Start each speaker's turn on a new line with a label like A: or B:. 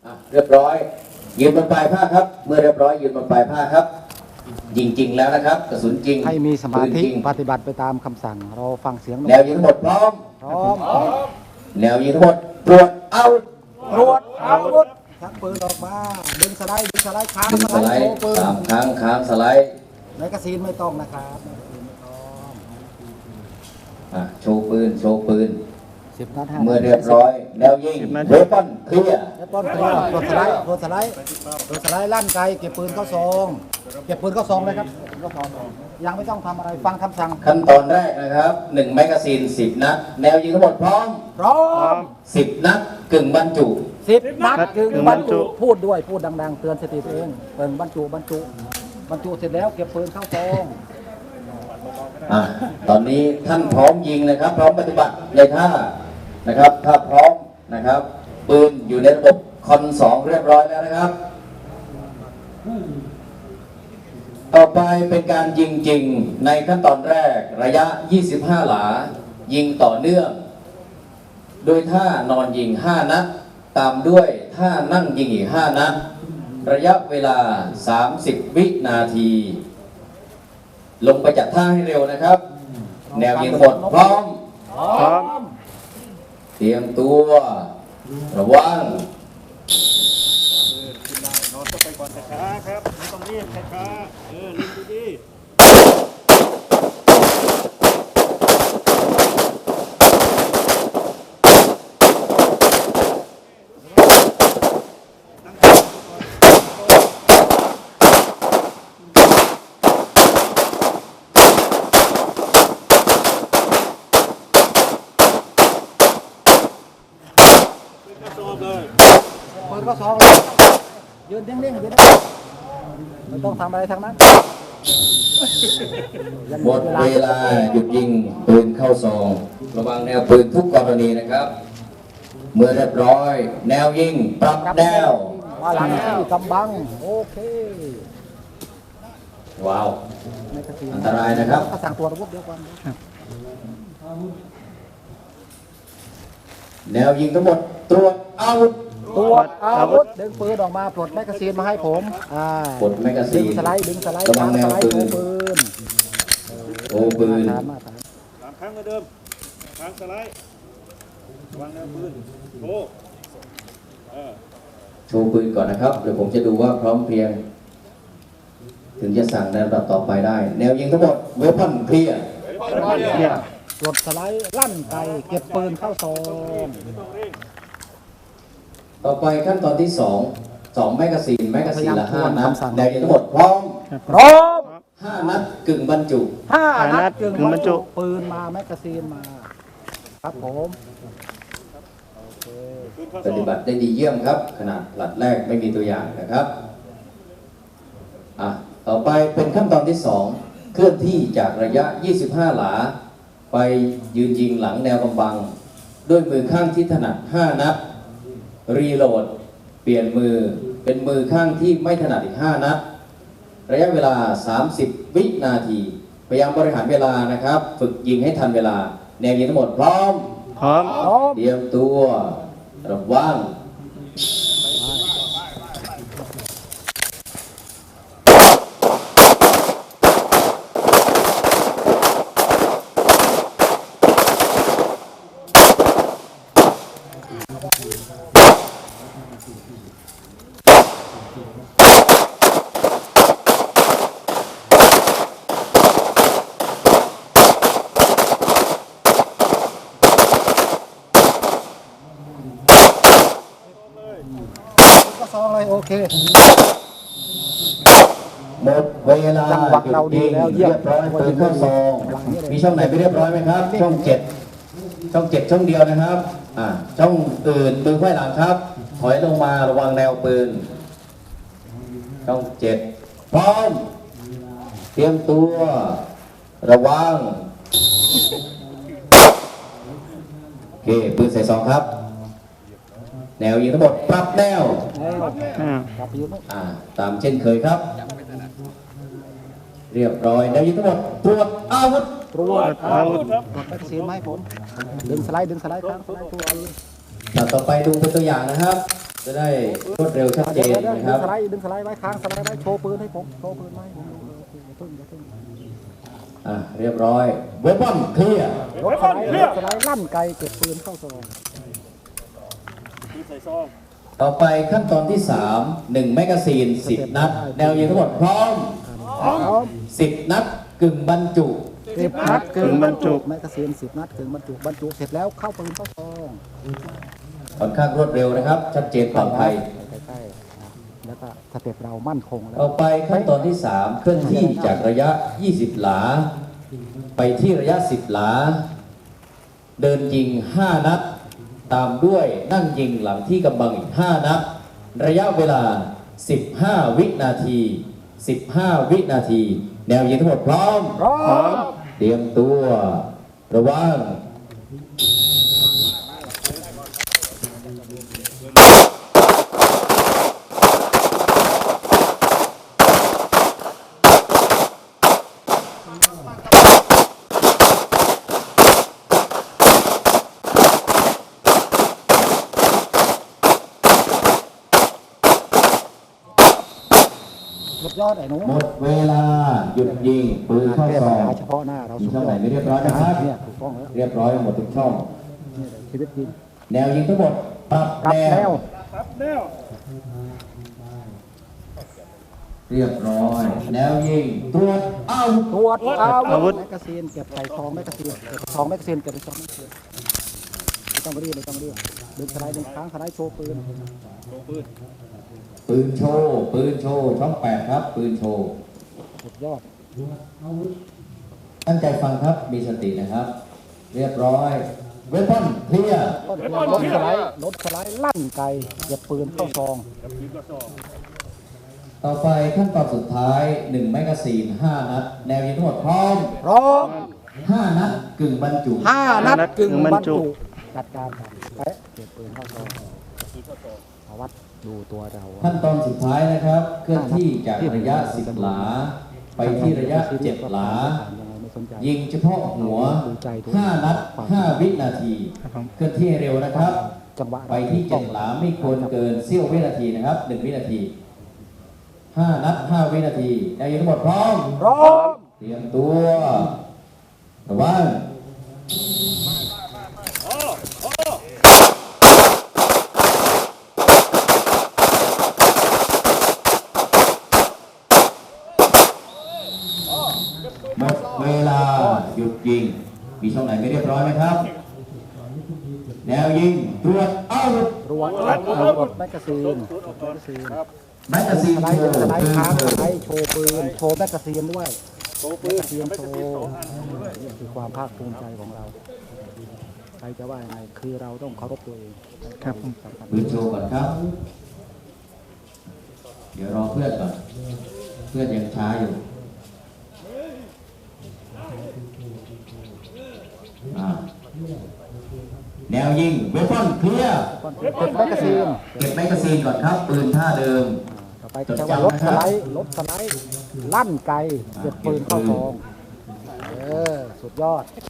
A: เรียบร้อยยืนบนปลายผ้าครับเมื่อเรียบร้อยยืนบนปลายผ้าครับยิงจริงแล้วนะครับกระสุนจริง
B: ให้มีสมาธิปฏิบัติไปตามคำสั่งเราฟังเสียง
A: แนวยิงทั้งหมดพร้อมแนวยิงทั้งหมดตรวจอาวุธ
B: ชักปืนออกมาดึงสไลด์ค้าง
A: ดึงสไลด์3 ครั้งค้างสไลด์
B: แมกกาซีนไม่ต้องนะครับ
A: โชว์ปืน
B: 10 นัด
A: เมื่อเรียบร้อยแนวยิงเวปอนเคลียร์
B: โดนสไลด์ลั่นไกเก็บปืนเข้าซองเลยครับยังไม่ต้องทำอะไรฟังคำสั่ง
A: ขั้นตอนแรกนะครับ1 แมกกาซีน 10 นัดแนวยิงทั้งหมดพร้อม10 นัดกึ่งบรรจุ
B: 10 นัดกึ่งบรรจุพูดดังๆเตือนสติตัวเองเปิดบรรจุเสร็จแล้วเก็บปืนเข้าซอง
A: ตอนนี้ท่านพร้อมยิงนะครับพร้อมปฏิบัติในท่านะครับถ้าพร้อมนะครับปืนอยู่ในระบบคอน2เรียบร้อยแล้วนะครับต่อไปเป็นการยิงจริงในขั้นตอนแรกระยะ25 หลายิงต่อเนื่องโดยท่านอนยิง5 นัดตามด้วยท่านั่งยิงอีก5 นัดระยะเวลา30 วินาทีลงไปจัดท่าให้เร็วนะครับแนวยิงหมดพร้อมเตรียมตัวระวัง
C: นอนก็ไปก่อนช้าครับไม่ต้องรีบช้าเล่นดี
B: ปืนก็ซองยืนนิ่งๆไม่ต้องทำอะไรทั้งนั้น
A: หมดเวลาหยุดยิงปืนเข้าซองระวังแนวปืนทุกกรณีนะครับเมื่อเรียบร้อยแนวยิงปรับแนว
B: มาหลังที่กำบังโอเค
A: ว้าวอันตรายนะครับ
B: สั่งตัวอาวุธเดียวกัน
A: แนวยิงทั้งหมดตรวจอาวุธ
B: ดึงปืนออกมาปลดแมกกาซีนมาให้ผม
A: ปลดแมกกาซีน
B: ดึงสไลด์
A: กำลังแนวปืนโอ้ปืน
C: 3 ครั้งเหมือนเดิมค้างสไลด์วางแนวปืน
A: โชว์ปืนก่อนนะครับเดี๋ยวผมจะดูว่าพร้อมเพรียงถึงจะสั่งในระดับต่อไปได้แนวยิงทั้งหมดเวปอนเคลียร์
B: ปลดสไลด์ลั่นไกเก็บปืนเข้าซอง
A: ต่อไปขั้นตอนที่2 แมกกาซีนละ5 นัดแนวยิงทั้งหมดพร้อม5 นัดกึ่งบรรจุ
B: 5 นัดกึ่งบรรจุปืนมาแมกกาซีนมาครับผม
A: ปฏิบัติได้ดีเยี่ยมครับขนาดหลัดแรกไม่มีตัวอย่างนะครับต่อไปเป็นขั้นตอนที่2เคลื่อนที่จากระยะ25 หลาไปยืนยิงหลังแนวกำบังด้วยมือข้างที่ถนัด5 นัดรีโหลดเปลี่ยนมือเป็นมือข้างที่ไม่ถนัดอีก5 นัดระยะเวลา30 วินาทีพยายามบริหารเวลานะครับฝึกยิงให้ทันเวลาแนวยิงทั้งหมดพร้อมเตรียมตัวระวัง
B: ซองเลยโอเค
A: หมดเวลาเราดีแล้วเรียบร้อยปืนเข้าซองมีช่องไหนไปเรียบร้อยไหมครับช่อง7ช่องเดียวนะครับช่องอื่นปืนไขว้หลังครับถอยลงมาระวังแนวปืนช่อง7พร้อมเตรียมตัวระวังโอเคปืนใส่ซองครับแนวยิงทั้งหมดปรับแนวตามเช่นเคยครับเรียบร้อยแนวยิงทั้งหมดตรวจอาวุธ
B: ปลดแมกกาซีนไหมผมดึงสไลด์ครับ
A: ต่อไปดูเป็นตัวอย่างนะครับจะได้รวดเร็วชัดเจน
B: เดี๋ยว
A: นะครับ
B: ดึงสไลด์ไว้ค้างสไลด์ไว้โชว์ปืนให้ผมโชว์ปืนไว้ผมดูโอเคอย่าเพิ่ง
A: เรียบร้อยเวปอนเคลียร์
B: รถสไลด์ลั่นไกลเก็บปืนเข้าซอง
C: ปืนใส่ซอง
A: ต่อไปขั้นตอนที่ 3 1 แมกกาซีน 10 นัด แนวยิงทั้งหมดพร้อม 10 นัดกึ่งบรรจุ
B: 10 นัดกึ่งบรรจุแมกกาซีน10 นัดกึ่งบรรจุเสร็จแล้วเข้าปืนเข้าซอง
A: ค่อนข้างรวดเร็วนะครับ ชัดเจนปลอดภัย
B: ใกล้ๆแล้วก็สเต็ปเรามั่นคงแล้ว
A: ต่อไปขั้นตอนที่ 3 เคลื่อนที่จากระยะ 20 หลา ไปที่ระยะ 10 หลา เดินยิง 5 นัด ตามด้วยนั่งยิงหลังที่กำบังอีก 5 นัด ระยะเวลา 15 วินาที 15 วินาที แนวยิงทั้งหมดพร้อม เตรียมตัว ระวัง
B: สุดยอดไอ้หนู
A: หมดเวลา หยุดยิง ปืนเข้า
B: แก้
A: ซ
B: ปั
A: อ
B: ญ
A: ง
B: หาเฉพาะหน้าเรา
A: มี
B: สุด
A: ช่อง
B: ย
A: ไหน
B: อด
A: ไม่เรียบร้อยนะครับ
B: เนี่ยถูกต้องแล้ว
A: เรียบร้อยหมดทุกช่อง
B: ชีวิตจริง
A: แนวยิงทั้งหมดปรับ
B: รับ
A: แน
B: แน
A: ว
B: ว
C: ครับแนว
A: เรียบร้อย แนวยิง ตรวจเอา
B: ตรวจอาวุธแมกกาซีนเก็บใส่ซองแมกกาซีนเก็บซองแมกกาซีนเก็บในซองแมกกาซีนไม่ต้องรีบดึงสไลด์ดึงค้างสไลด์โชว์ปืน
C: ลงปืน
A: ปืนโชว์ ปืนโชว์ ช่อง 8 ครับ ปืนโชว์
B: สุดยอด
A: ตั้งใจฟังครับ มีสตินะครับ เรียบร้อย เวปอนเคลียร์
B: รถสไลด์ลั่นไกลเก็บปืนเข้าซอง
C: กับปืนกระสอบ
A: ต่อไปขั้นตอนสุดท้าย 1 แมกกาซีน 5 นัด แนวยิงทั้งหมดพร้อม 5 นัดกึ่งบรรจุ
B: 5 นัดกึ่งบรรจุจัดการไปเก็บปืนเข้าซองเอาวัดดูตัวเรา
A: ขั้นตอนสุดท้ายนะครับ เคลื่อนที่จากระยะ 10 หลา ไปที่ระยะ 7 หลา ยิงเฉพาะหัว 5 นัด 5 วินาที เคลื่อนที่ให้เร็วนะครับ
B: จังหวะ
A: ไปที่ 7 หลาไม่ควรเกินเสี้ยววินาทีนะครับ 1 วินาที 5 นัด 5 วินาทีแนวยิงทั้งหมดพร้อม เตรียมตัว ระวัง หมดเวลา หยุดยิง มีช่องไหนไม่เรียบร้อยไหมครับ แนวยิง ตรวจเอา
B: รวมกดแมกกาซีน
C: ครับ
A: แมกกาซีน
B: สไล
A: โช
B: ด์
A: ว์
B: สไล
A: ปื
B: ด์
A: น
B: ค้าง
A: โช
B: ส
A: ว์
B: ไลด์โชว์ปืนโชว์แมกกาซีนด้วย
C: โตปืน
B: เทียม
C: ไม่
B: โช
C: กระ
B: ว์
C: สุน2 อันด้วย
B: นี่คือความภาคภูมิใจของเราใครจะว่ายังไงคือเราต้องเคารพตัวเองครับ
A: ปืนโชว์ก่อนครับ เดี๋ยวรอเพื่อนก่อน เพื่อนยังช้าอยู่อ่าแนวยิง เวปอนเคลียร์
B: เก็บแมกกาซีน
A: เก็บแมกกาซีนก่อนครับ ปืนท่าเดิม
B: ต่อไปก็จะว่ารถสไลด์ลั่นไกลเก็บปืนเข้าซองสุดยอด